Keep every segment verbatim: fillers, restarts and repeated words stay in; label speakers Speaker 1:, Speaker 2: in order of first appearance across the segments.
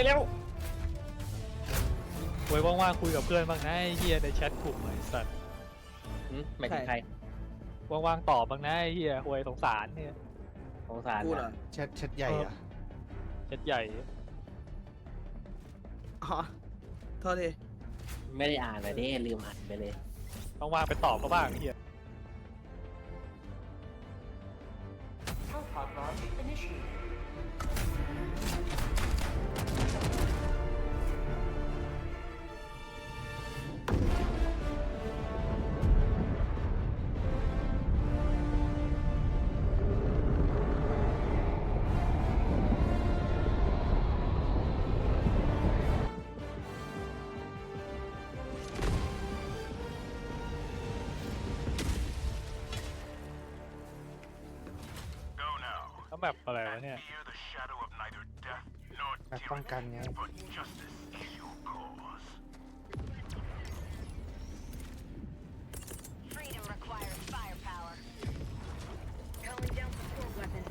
Speaker 1: แล้ว
Speaker 2: ไว้ว่างๆคุยกับเพื่อนบ้างนะไอ้เฮียในแชทกลุ่มไอ้สัตว์
Speaker 1: หมายถึงใคร
Speaker 2: ว่างๆตอบบ้างนะไอ้เฮียหวยสงสารเนี่ย
Speaker 1: สงสาร
Speaker 3: กูเหรอ
Speaker 4: แชทแชทใหญ่อะ
Speaker 2: แชทใหญ่
Speaker 3: อ๋อโทษที
Speaker 1: ไม่ได้อ่านเลยดิลืมอ่านไปเลย
Speaker 2: ว่างๆไปตอบเขาบ้างไอ้เฮีย
Speaker 5: Teleport launch initiated.
Speaker 6: Go now.
Speaker 2: แล้วแบบอะไรวะเนี่ย
Speaker 6: Fear the shadow of neither death nor
Speaker 4: แบบป้องกันไง
Speaker 6: tyranny, but justice is your cause.
Speaker 7: Freedom requires firepower. Calling down support weapon.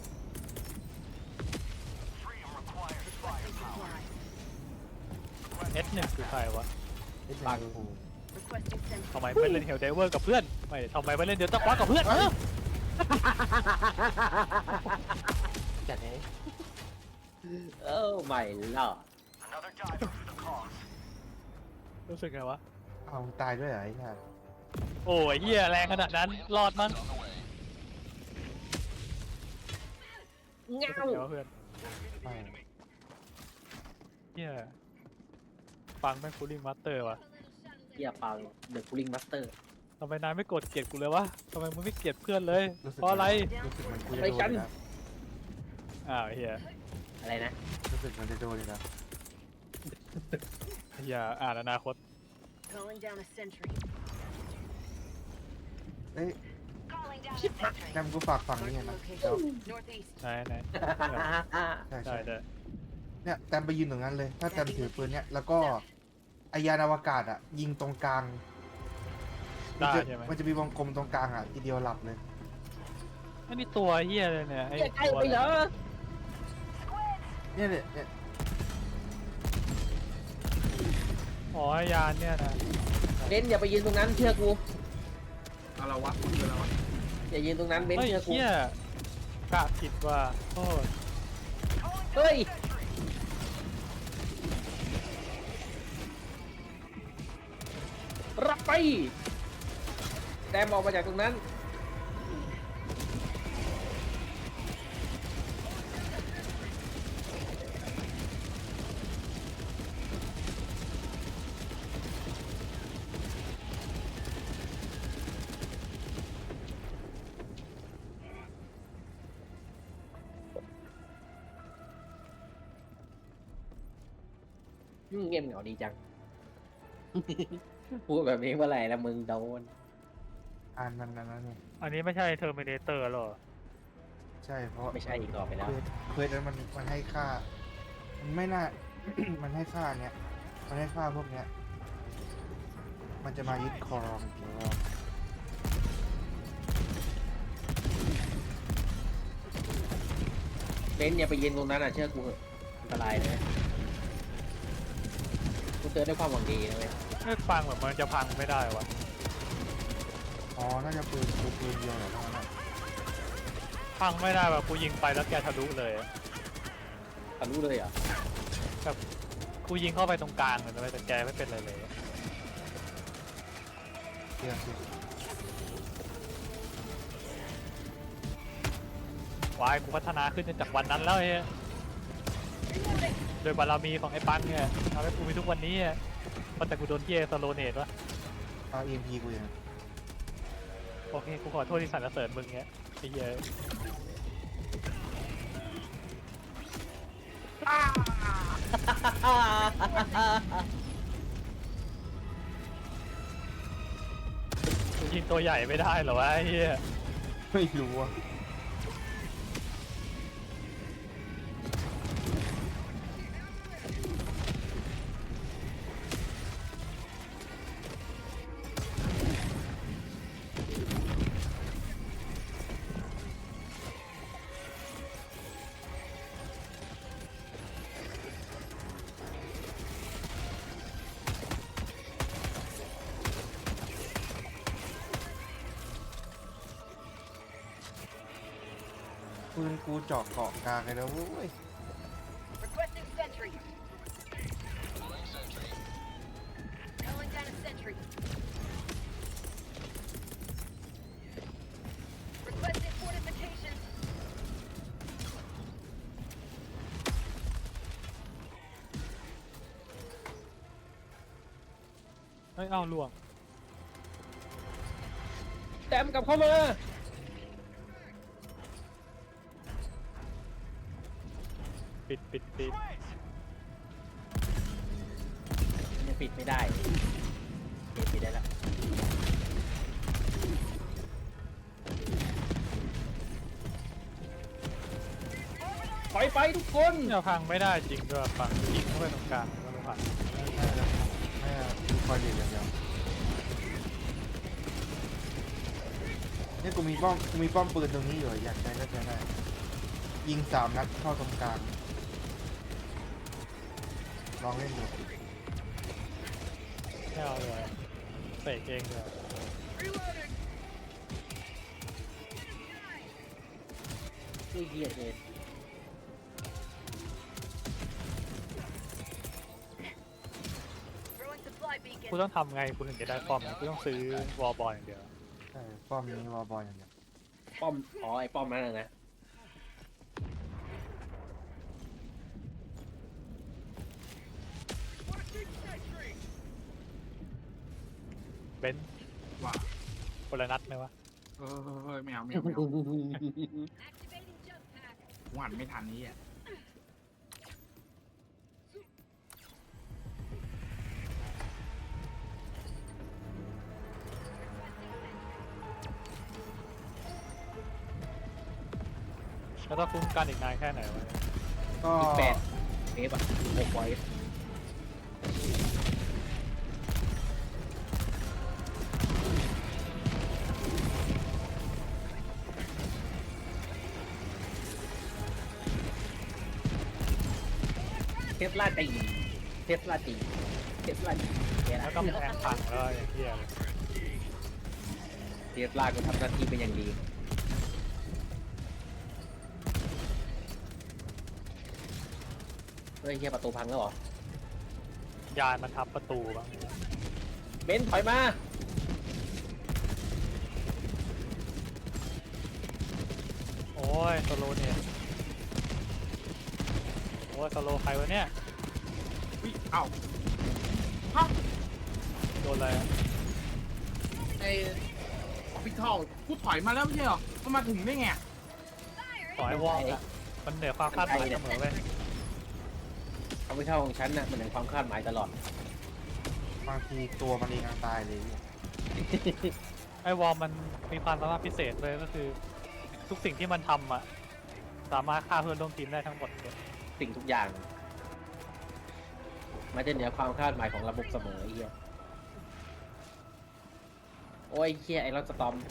Speaker 6: Freedom requires
Speaker 7: Requesting
Speaker 6: firepower.
Speaker 7: supply.
Speaker 2: เอสหนึ่งคือใครวะ
Speaker 4: ไอ้ปังกู
Speaker 7: Requesting sentry.
Speaker 2: ทำไมไม่เล่นเฮลเดเวอร์กับเพื่อนไม่ทำไมไม่เล่นเดือดตะคว้ากับเพื่อนเออ
Speaker 4: จัดไง
Speaker 1: เออไม่หรอก
Speaker 6: Another diver for the cause.
Speaker 2: รู้สึกไงวะ
Speaker 4: เอาตายด้วยเหรอไอ้ห่า
Speaker 2: โอ้ยเฮียแรงขนาดนั้นรอดมั้ง
Speaker 1: เงา
Speaker 2: รู้สึกไงวะเพื่อน
Speaker 4: ไม่
Speaker 2: เฮียฟังแม่งคูลิ่งมาสเตอร์วะ
Speaker 1: เกียร์ปังเดอะคูลิ่งมาสเตอร์
Speaker 2: ทำไมนายไม่กดเกลียดกูเลยวะทำไมมึงไม่เกลียดเพื่อนเลย
Speaker 4: รู้สึก
Speaker 2: เพราะอะไร
Speaker 4: รู้สึกเหมันกูจะ
Speaker 1: ไป
Speaker 4: โด
Speaker 1: กัน น
Speaker 4: นะ
Speaker 2: อ้าวเฮีย
Speaker 1: อะไรนะ
Speaker 4: รู้สึกเหมันจะโดนเลยนะ
Speaker 2: เฮียอ่านอนาคต
Speaker 7: Calling down a sentry.
Speaker 4: เอ้ย
Speaker 7: Calling down a sentry.
Speaker 4: แนมกูฝากฝั่งนี้ไง
Speaker 7: Marking
Speaker 4: นะ
Speaker 7: location. Northeast.
Speaker 2: ไหนไหน
Speaker 4: ใช่
Speaker 2: ได้
Speaker 4: ใช่
Speaker 2: ได้
Speaker 4: เนี่ยแตมไปยืนตรงนั้นเลย ถ้าแตมถือปืนเนี่ยแล้วก็ไอยานอวกาศอ่ะ ยิงตรงกลางมัน
Speaker 2: ได้
Speaker 4: จะ
Speaker 2: ใช่ไหม
Speaker 4: มันจะมีวงกลมตรงกลางอ่ะทีเดียวหลับเลย
Speaker 2: อันนี้ตัวเฮียเลยเนี่ยไอ้
Speaker 1: เกียร์ใกล้
Speaker 2: ตัว
Speaker 1: ไปเหรอ
Speaker 4: เนี่ยเนี่ยเนี่ย
Speaker 2: อ๋อยานเนี่ยนะ
Speaker 1: เบนซ์อย่าไปยืนตรงนั้นเชื่อกู
Speaker 3: อะไรวะมึงคืออะไรวะ
Speaker 1: อย่ายืนตรงนั้นเบนซ์
Speaker 2: เฮ้ย
Speaker 1: เชื่อกู
Speaker 2: เฮียกะผิดว่าโทษ
Speaker 1: เฮ้ยรับไปแต้มออกมาจากตรงนั้นอืมเงียบเหงาดีจัง พูดแบบนี้เมื่อไหร่ละมึงโดน
Speaker 4: อ่านมันนั้นนะเนี่ย
Speaker 2: อันนี้ไม่ใช่เทอร์มินเตอร์หรอ
Speaker 4: ใช่เพราะ
Speaker 1: ไม่ใช่อีกต่อไปแล้ว
Speaker 4: เควสเควสนั้นมันมันให้ค่า มันไม่น่า มันให้ค่าเนี้ยมันให้ค่าพวกเนี้ย มันจะมายึดครองอีกรอบ
Speaker 1: เบนซ์อย่าไปยืนตรงนั้นอ่ะเชื่อกูเถอะอันตรายนะกูเตือนด้วยความหวังดีนะเว้ย
Speaker 2: ไม่ฟังแบบมันจะพังไม่ได้วะ
Speaker 4: อ๋อ น่าจะปืนปืนปืนเดียวเหรอทั้งนั้นอะ
Speaker 2: พังไม่ได้แบบกูยิงไปแล้วแกทะลุเลยอะ
Speaker 1: ทะลุเลยเหรอ่ะ
Speaker 2: แบบกูยิงเข้าไปตรงกลางเลยนะเว้ยแต่แกไม่เป็นอะไรเลยอะ
Speaker 4: เตียงสิ
Speaker 2: วายกูพัฒนาขึ้นจนจากวันนั้นแล้วไอ้เหี้ยโดยบารมีของไอ้ปังเนี่ยทำให้กูมีทุกวันนี้อะเพราะแต่กูโดนเกียร์สโลเนตวะ
Speaker 4: เอาเอ็มพีกูอย่าง
Speaker 2: โอเคกูขอโทษที่สรรเสริญมึงเงี้ยไอ้เหี้ยกูยิงตัวใหญ่ไม่ได้เหรอวะไอ้เหี้ย
Speaker 4: ไม่รู้อ่ะปืนกูเจาะเกาะกลางเลยนะเว้ย
Speaker 7: Requesting sentry. Calling down a sentry. Requesting fortifications.
Speaker 2: เฮ้ยเอ้าล่วง
Speaker 1: แต้มกลับเข้ามา
Speaker 2: ปิดปิดปิด
Speaker 1: ยังปิดไม่ได้ปิดปิดได้แล้วถอยไปทุกคน
Speaker 2: เนี่ยพังไม่ได้จริงด้วยฝั่งยิงเข้าไปตรงกลางก็ไม่ผ่าน
Speaker 4: ไม่นะไม่นะดูคอยเดียวอย่างเดียวเนี่ยกูมีป้อมกูมีป้อมปืนตรงนี้อยู่อยากใช้ก็ใช้ได้ยิงสามนัดเข้าตรงกลางลองเล่นดู
Speaker 2: ไม่เอาเลยเสกเองเลย
Speaker 1: ช่วยเกียร์เอง
Speaker 7: Throwing supply
Speaker 2: กู
Speaker 7: beacon.
Speaker 2: ต้องทำไงกูถึงจะได้ป้อมกูต้องซื้อวอลบอลอย่างเดียว
Speaker 4: ใช่ป้อมนี้วอลบอลอย่างเดียว
Speaker 1: ป้อมอ๋อไอ้ป้อมนั่นนะนะ
Speaker 2: เบนซ์
Speaker 3: ว่า
Speaker 2: คนละนัดไหมวะ
Speaker 3: เออเฮ้ยไม่เอาไม่เอาไม่เอา
Speaker 7: Activating jump pack.
Speaker 3: หวานไม่ทันนี้อ่ะ
Speaker 2: แล้วต้องคุ้มกันอีกนานแค่ไหนวะ
Speaker 4: ก็
Speaker 1: อีกแปดเอฟอะหกไว้เทสลาตีเทสลาตีเทสลาตีเนี่ย
Speaker 2: แล้ว
Speaker 1: นะ
Speaker 2: ก็แพงพังแล้วอย่างเงี้ยเลย
Speaker 1: เทสลาก็ทำหน้าที่เป็นอย่างดีเฮ้ยเฮียประตูพังแล้วเหรอ
Speaker 2: ยานมันทับประตูบ้าง
Speaker 1: เบนซ์ถอยมา
Speaker 2: โอ้ยสโลเนี่ยโอ้ยสโลใครวะเนี่ย
Speaker 3: วิเอ้าฮะ
Speaker 2: โดนอะไรอะ
Speaker 3: ไอ้พี่ทองกูถอยมาแล้วไม่ใช่เหรอมันมาถึงได้ไง
Speaker 2: ต่อให้วอลอะมันเหนือความคาดหมายเสมอเว้ย
Speaker 1: เขาไม่เท่าของฉันน่ะมันเหนือความคาดหมายตลอด
Speaker 4: บางทีตัวมันเองยังตายเลยเนี่ย
Speaker 2: ไอ้วอลมันมีความสามารถพิเศษเลยก็คือ ทุกสิ่งที่มันทำอะสามารถฆ่าเพื่อนร่วมทีมได้ทั้งหมดเลย
Speaker 1: สิ่งทุกอย่าง มันจะเหนือความคาดหมายของระบบเสมอไอ้เหี้ยโอ้ยเหี้ยไอรอนสตอม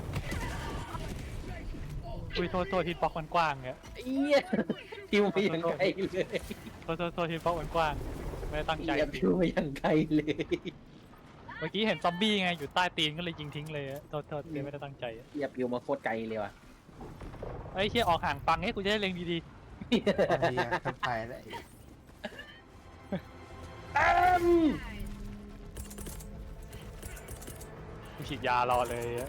Speaker 2: อุ้ยโทษโทษฮิตบ็อกมันกว้างเนี่ย
Speaker 1: ไอ้เหี้ยพิวไปยังไกลเลย
Speaker 2: โทษโทษโทษฮิตบ็อกมันกว้างไม่ได้ตั้งใจ
Speaker 1: เหี้ยพิวไปยังไกลเลย
Speaker 2: เมื่อกี้เห็นซอมบี้ไงอยู่ใต้ตีนก็เลยยิงทิ้งเลยอะโทษโทษเลยไม่ได้ตั้งใจอะ
Speaker 1: เหี้ยพิวมาโคตรไกลเลยว่ะ
Speaker 2: ไอ้เชี่ยออกห่างฟังให้กูจะได้เล็งดี
Speaker 4: บางทีอะทำตายแล้ว
Speaker 1: ตั้ม
Speaker 2: ๆกูฉีดยารอเลยอะ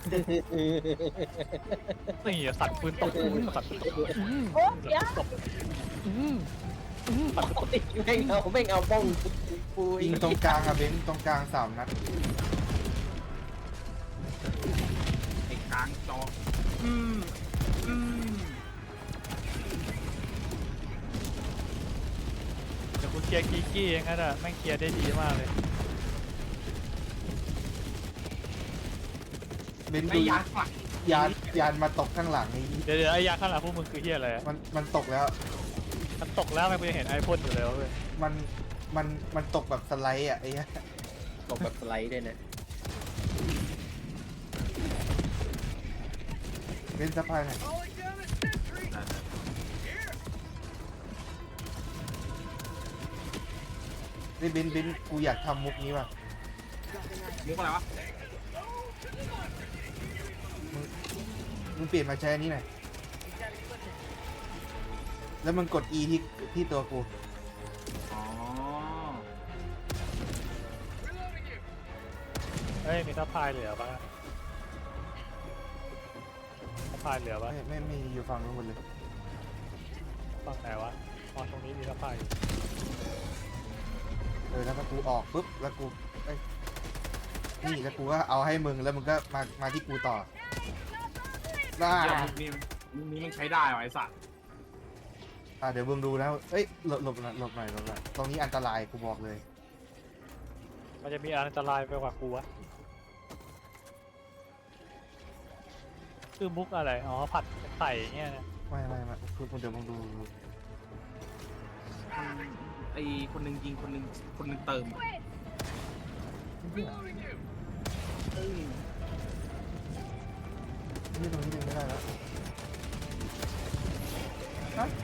Speaker 2: นี่อะสัตว์ปืนตกอื้อสัตว์ปืนตกอื้อ
Speaker 7: โอ้เดี๋ยว
Speaker 2: ตกอื้ออื้อสัตว์ปืนตก
Speaker 1: ไม่เอาไม่เอาบ้องปู
Speaker 4: ยิงตรงกลางอะเบนซ์ตรงกลางสามนัด
Speaker 3: ไอ้กลางจออืมอืม
Speaker 2: เดี๋ยวกูเคลียร์กีกี้เองนะแม่งเคลียร์ได้ดีมากเลย
Speaker 4: เบนซ์
Speaker 3: ไอ้
Speaker 4: ดู
Speaker 3: ยักษ์ว่ะ
Speaker 4: ยานยานมาตกข้างหลังนี่
Speaker 2: เดี๋ยวเดี๋ยวไอ้ยาข้างหลังพวกมึงคือเฮียอะไรอะ
Speaker 4: มันมันตกแล้ว
Speaker 2: มันตกแล้วไม่กูยังเห็นไอพ่นอยู่เลยเว้ย
Speaker 4: มันมันมันตกแบบสไลด์อ่ะไอ้เหี้ย
Speaker 1: ตกแบบสไลด์ด้วยนะ
Speaker 4: เบนซ์สะพายหน่อย
Speaker 7: Calling down a sentry.
Speaker 4: เฮ้ยเบนซ์เบนซ์กูอยากทำมุกนี้ว่ะ
Speaker 3: มุกอะไรวะ
Speaker 4: มึงเปลี่ยนมาใช้อันนี้หน่อยแล้วมันกด E ที่ที่ตัวกู
Speaker 3: อ๋อ
Speaker 2: เฮ้ยมีทัพพายเหลือปะทัพพายเหลือปะ
Speaker 4: ไม่ไม่ไม่อยู่ฝั่งนู้นหมดเลย
Speaker 2: ฝั่งไหนวะอ๋อตรงนี้มีทัพพายอยู่
Speaker 4: เออแล้วก็กูออกปุ๊บแล้วกูเอ้ยนี่แล้วกูก็เอาให้มึงแล้วมึงก็มามาที่กูต่อได้
Speaker 3: เหี้ยมุกนี้มุกนี้มันใช้ได้ว่ะไอ้สัตว์
Speaker 4: อ่ะเดี๋ยวมึงดูนะเอ้ยหลบหลบหน่อยหลบหน่อยหลบหน่อยตรงนี้อันตรายกูบอกเลย
Speaker 2: มันจะมีอันตรายไปกว่ากูวะคือมุกอะไรอ๋อผัดไข่เงี้ยนะ
Speaker 4: ไม่ไม่ไม่คือเดี๋ยวมึงดู
Speaker 3: ไอ้คนหนึ่งยิงคนหนึ่งคนหนึ่งเติม
Speaker 4: นี่ตรงนี้ดึงไม่ได้แล้วฮะ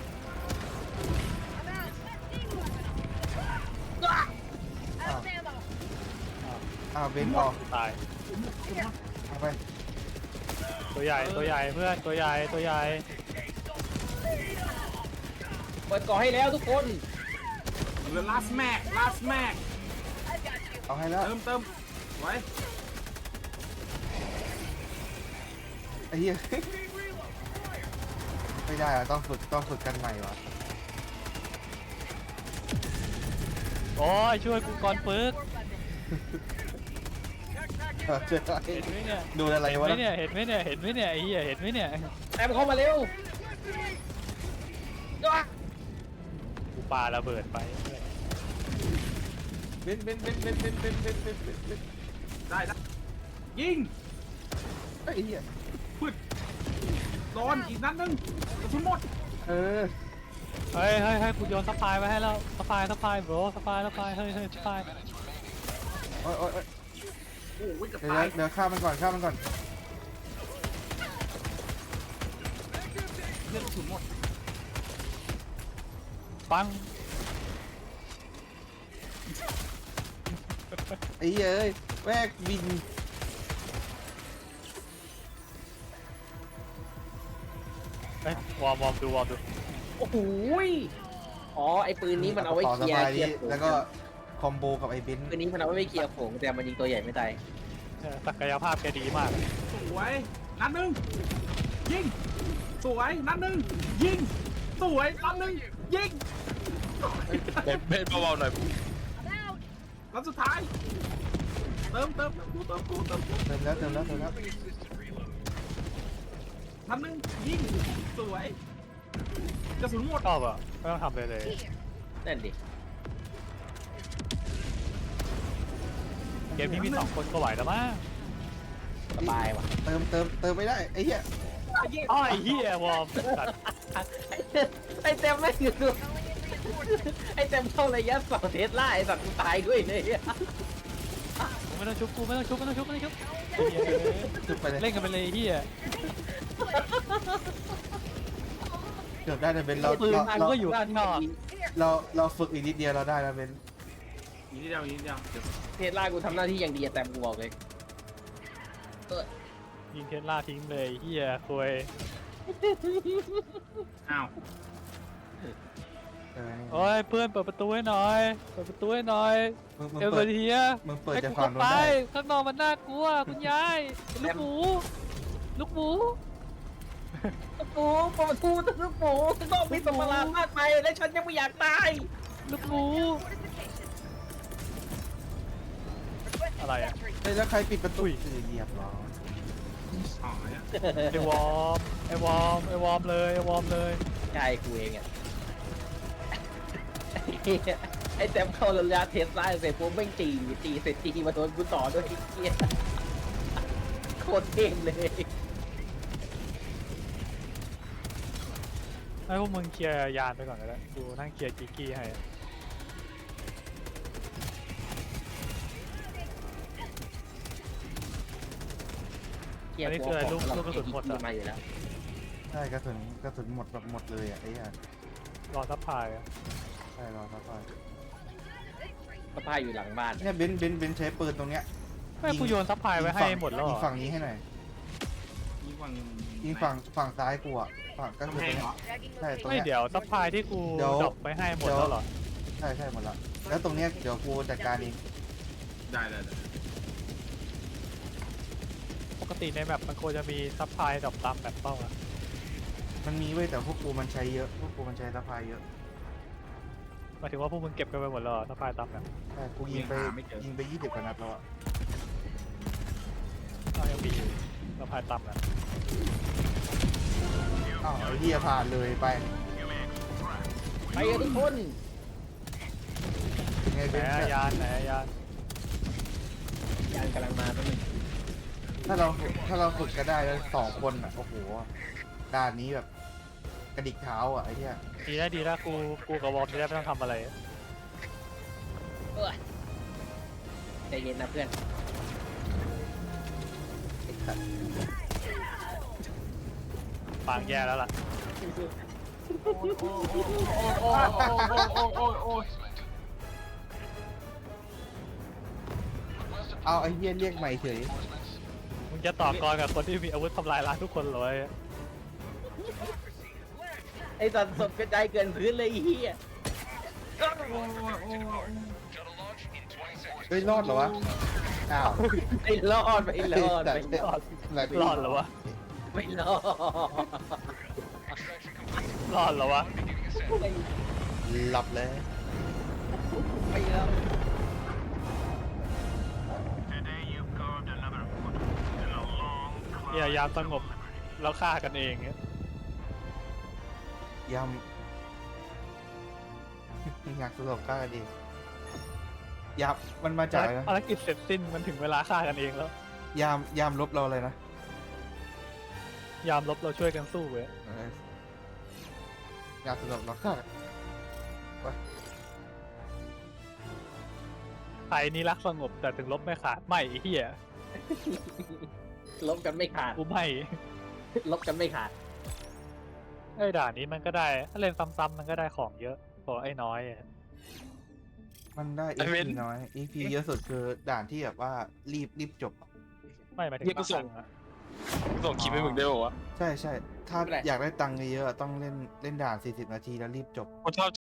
Speaker 7: I'm out. Out of ammo.
Speaker 4: อ้าวเบนออก
Speaker 2: ตาย
Speaker 4: เอาไป
Speaker 2: ตัวใหญ่ตัวใหญ่เพื่อนตัวใหญ่ตัวใหญ่
Speaker 1: เปิดก่อให้แล้วทุกคน
Speaker 3: เหลือ last mag last mag
Speaker 7: I've got you.
Speaker 4: เอาให้แล้ว
Speaker 3: เติมเติมไว้
Speaker 4: ไอ้เหี้ย ไม่ได้อะต้องฝึกต้องฝึกกันใหม่วะ
Speaker 2: โอ้ยช่วยกูก่อนปึก
Speaker 4: เออเจอ
Speaker 2: เห็นไหมเนี่ย
Speaker 4: ดูอะไร
Speaker 2: เห็น
Speaker 4: วะ
Speaker 2: ไหมเนี่ยเห็นไหมเนี่ยเห็นไหมเนี่ยไอ้เหี้ยเห็นไหมเนี่ย
Speaker 1: แอมเข้ามาเร็ว
Speaker 2: กูปาระเบิดไป
Speaker 4: เบนเบนเบนเบนเบนเบนเบนเบนเบนเบน
Speaker 3: ได้ได้ยิง
Speaker 4: ไอ้เหี้ย
Speaker 3: พืดโดนอีกนัดหนึงกระสุนหมด
Speaker 4: เออ
Speaker 2: เฮ้ยเฮ้ยเฮ้ยกูโยนสปายไว้ให้แล้วสปายสปายโบรสปายสปายเฮ้ยเฮ้ยสปาย
Speaker 4: โอ้ยโอ้ยโอ้ย
Speaker 3: โอ้ยจะ
Speaker 4: เดี๋ยว
Speaker 3: ตาย
Speaker 4: เดี๋ยวฆ่ามันก่อนฆ่ามันก่อน
Speaker 3: เลือดกระสุนหมด
Speaker 2: ปัง
Speaker 4: ไอ้เหี้ยเอ้ยแวกบิน
Speaker 2: เฮ้ยวอร์มวอร์มดูวอร์มดู
Speaker 1: โอ้โหยอ๋อไอปืนนี้มันเอาไว้
Speaker 4: ต่อ
Speaker 1: เค
Speaker 4: ส
Speaker 1: ลีย
Speaker 4: บา
Speaker 1: ร์
Speaker 4: ย
Speaker 1: เคลี
Speaker 4: นี้
Speaker 1: ยร์โขง
Speaker 4: แล้วก็คอมโบกับไอ้เบน
Speaker 1: ปืนนี้มันเอาไว้เคลียร์โขงแต่มันยิงตัวใหญ่ไม่ตาย
Speaker 2: เออศักยภาพแกดีมาก
Speaker 3: สวยนัดหนึงยิงสวยนัดหนึงยิงสวยนัดหนึงยิง
Speaker 5: เบนเบนเบาๆหน่อย
Speaker 7: I'm out.
Speaker 3: นัดสุดท้ายเติมเติมเติมกูเติมกูเติมกู
Speaker 4: เติมแล้วเติมแล้วเติมแล้ว
Speaker 3: นัดหนึงยิงสวยกระสุนหมด
Speaker 2: ชอบอ่ะไม่ต้องทำเลยเลย
Speaker 1: นั่นดิ
Speaker 2: เกมนี้มีสองคนก็ไหวแล้วมั้ง
Speaker 1: สบายว่ะ
Speaker 4: เติมเติมเติมไม่ได้ไอ้เหี้ย
Speaker 2: อ้อไอ้เหี้ยวอร์มสัตว์
Speaker 1: ไอเต็มไม่อยู่ดูไอเต็มเข้าระยะสองเทสล่าไอสัตว์กูตายด้วยเลย
Speaker 2: กูไม่ต้องชุบกูไม่ต้องชุบไม่ต้องชุบไม่ต้องชุบไอ้เหี้ย
Speaker 4: จุดไปเลย
Speaker 2: เล่นกันไปเลยไอ้เหี้ย
Speaker 4: เกือบได้แต่เบนเรา
Speaker 2: ปืน
Speaker 4: เรา
Speaker 2: มัน
Speaker 4: เรา
Speaker 2: ก็อยู่ข้างนอก
Speaker 4: เราเราฝึกอีกนิดเดียวเราได้แล้วเบน
Speaker 3: อีกนิดเดียวอีกนิดเดียวเดี๋ยว
Speaker 1: เทสล่ากูทำหน้าที่อย่างดีอะแต่กูบอกเลย
Speaker 2: ยิงเทสลาทิ้งเลยไอ้เหี้ยควย
Speaker 3: อ้าว
Speaker 4: เออนี่
Speaker 2: โอ้ยเพื่อนเปิดประตูให้หน่อยเปิดประตูให้หน่อย
Speaker 4: มึงมึง
Speaker 2: เอเว
Speaker 4: เปิ
Speaker 2: อ
Speaker 4: ด
Speaker 2: ร์เทีย
Speaker 4: มึงเปิด
Speaker 2: ให้
Speaker 4: จาก
Speaker 2: กู
Speaker 4: ฝั่
Speaker 2: เข้าง
Speaker 4: นู้น
Speaker 2: ไป
Speaker 4: ได้
Speaker 2: ข้างนอกมันน่ากลัวคุณยายลูกหมูลูกหมู
Speaker 1: ลูกหมูเปิดประตูลูกหมูต้องมีสมราพาดไปและฉันยังไม่อยากตาย
Speaker 2: ลูกหมู อะไรอะ
Speaker 4: เฮ้ยแล้วใครปิดประตูคือเหยียบเหรอ
Speaker 3: อ๋อเนี่ย
Speaker 2: ไอวอร์มไอวอร์มไอวอร์มเลยไอวอร์มเลย
Speaker 1: ใช่กูเองอะไอเต็มเข้าระยะเทสล่าเสร็จปุ๊บแม่งจีจีเสร็จจีมาโดนกูต่อด้วยไอ้เหี้ยโคตรเท่งเลย
Speaker 2: ให้พวกมึงเคลียร์ยานไปก่อนก็ได้ดูนั่งเคลียร์กิกกี้ให้
Speaker 1: เหี้ยกลัวของเราไอ้ที่มาอยู่แล้ว
Speaker 4: ใช่กระสุนกระสุนหมดแบบหมดเลยอ่ะไอ้เหี้ย
Speaker 2: รอซัพพลายอะ
Speaker 4: ใช่รอครับพ่อ
Speaker 1: สะพายอยู่หลังบ้าน
Speaker 4: เนี่ยเบนเบนเบนใช้ปืนตรงเนี้ย
Speaker 2: ไม่กูโยนซัพพลายไว้ให้หมดแล้วเหร
Speaker 4: ยิ
Speaker 2: อง
Speaker 4: ฝั่งนี้ให้หน่อย
Speaker 1: ย
Speaker 3: ยิงฝั่ง
Speaker 4: ยิงฝั่งฝั่งซ้ายกูอ่ะฝั่งก็
Speaker 3: กำ
Speaker 4: คือ
Speaker 3: แพ
Speaker 4: ตรง ง
Speaker 3: เหร
Speaker 4: เนี้
Speaker 3: อย
Speaker 4: ใช่ตรง
Speaker 2: ไม่
Speaker 4: เนี้ย
Speaker 2: เดี๋ยวซัพพลายที่กู
Speaker 4: เดี๋ยว
Speaker 2: ดรอปไปให้หมดแล้วเหรอ
Speaker 4: ใช่ใช่หมดละแล้วตรงเนี้ยเดี๋ยวกูจัดการเอง
Speaker 3: ได้ได้ได้
Speaker 2: ปกติในแมปมันควรจะมีซัพพลายดรอปตามแบบเป้าอะ
Speaker 4: มันมีเว้ยแต่พวกกูมันใช้เยอะพวกกูมันใช้สะพายเยอะ
Speaker 2: หมายถึงว่าพวกมึงเก็บกันไปหมดแล้วเหรอซัพพลายตามแบบ
Speaker 4: ใช่กูยิงไปยิงไปยี่สิบกว่านัดแล้วอ่ะ
Speaker 2: อ้าวยังมีอยู่ซัพพลายตามแบบ
Speaker 4: อ้าวไอ้เหี้ยผ่านเลยไป
Speaker 1: ไปกันทุกคน
Speaker 4: ยังไง
Speaker 2: ไหน
Speaker 4: เป็น
Speaker 2: อะยานไหนอะยาน
Speaker 1: ยานกำลังมาแป๊บนึง
Speaker 4: ถ้าเราถ้าเราฝึกก็ได้แล้วสองคนอ่ะโอ้โหด่านนี้แบบกระดิกเท้าอ่ะไอ้เหี้ย
Speaker 2: ดีนะดีนะกูกูกับวอร์มจะได้ไม่ต้องทำอะไร
Speaker 1: เออใจเย็นนะเพื่อน
Speaker 2: ปางแย่แล้วล่ะ
Speaker 3: โอ้ยโอ้ยโอ้ยโอ้ยโอ้ยโอ้ย
Speaker 4: เอาไอ้เหี้ยเรียกใหม่เฉย
Speaker 2: มึงจะต่อกรกับคนที่มีอาวุธทำลายล้างทุกคนเหรอวะ
Speaker 1: ไอ้สัตว์ศพกระจายเกินพื้นเลยไอ้เฮีย
Speaker 4: เฮ้ยรอดเหรอวะอ้าว
Speaker 1: ไม่รอดไม่รอดไม่รอด
Speaker 4: ไหนไป
Speaker 2: รอดเหรอวะ
Speaker 1: ไม่รอด
Speaker 2: รอดเหรอวะ
Speaker 4: หลับเลย
Speaker 1: ไม่รอด
Speaker 6: Today you carved another foot in a long
Speaker 2: เฮีย
Speaker 6: climb
Speaker 2: ยามสงบแล้วฆ่ากันเองเนี่ย
Speaker 4: ยำอยากสลบฆ่ากันดียำมันมาจากอะไรนะ
Speaker 2: ภารกิจเสร็จสิ้นมันถึงเวลาฆ่ากันเองแล้ว
Speaker 4: ยามยามลบเราเลยนะ
Speaker 2: ยามลบเราช่วยกันสู้เว้ย
Speaker 4: เอออยากสลบเราฆ่ากัน
Speaker 2: ไทยนี่รักสงบแต่ถึงลบไม่ขาดไม่ไอ้เฮีย
Speaker 1: ลบกันไม่ขาด
Speaker 2: กูไม่
Speaker 1: ลบกันไม่ขาด
Speaker 2: ไอ้ด่านนี้มันก็ได้ถ้าเล่นซ้ำๆมันก็ได้ของเยอะกว่าไอ้น้อยอะ
Speaker 4: มันได้
Speaker 5: ไอ้
Speaker 4: เอ
Speaker 5: เว้
Speaker 4: พี
Speaker 5: น
Speaker 4: น้อย เอ พี เยอะสุดคือด่านที่แบบว่ารีบรีบจบอะ
Speaker 2: ไม่หมายถึง
Speaker 5: เหี้ยกูส่ง
Speaker 2: บาครั้อะ
Speaker 5: ส่งคลิปให้มึงได้ป่าวะ
Speaker 4: ใช่ใช่ถ้าอยากได้ตังค์เยอะๆต้องเล่นเล่นด่านสี่สิบนาทีแล้วรีบจบ
Speaker 5: กูชอบ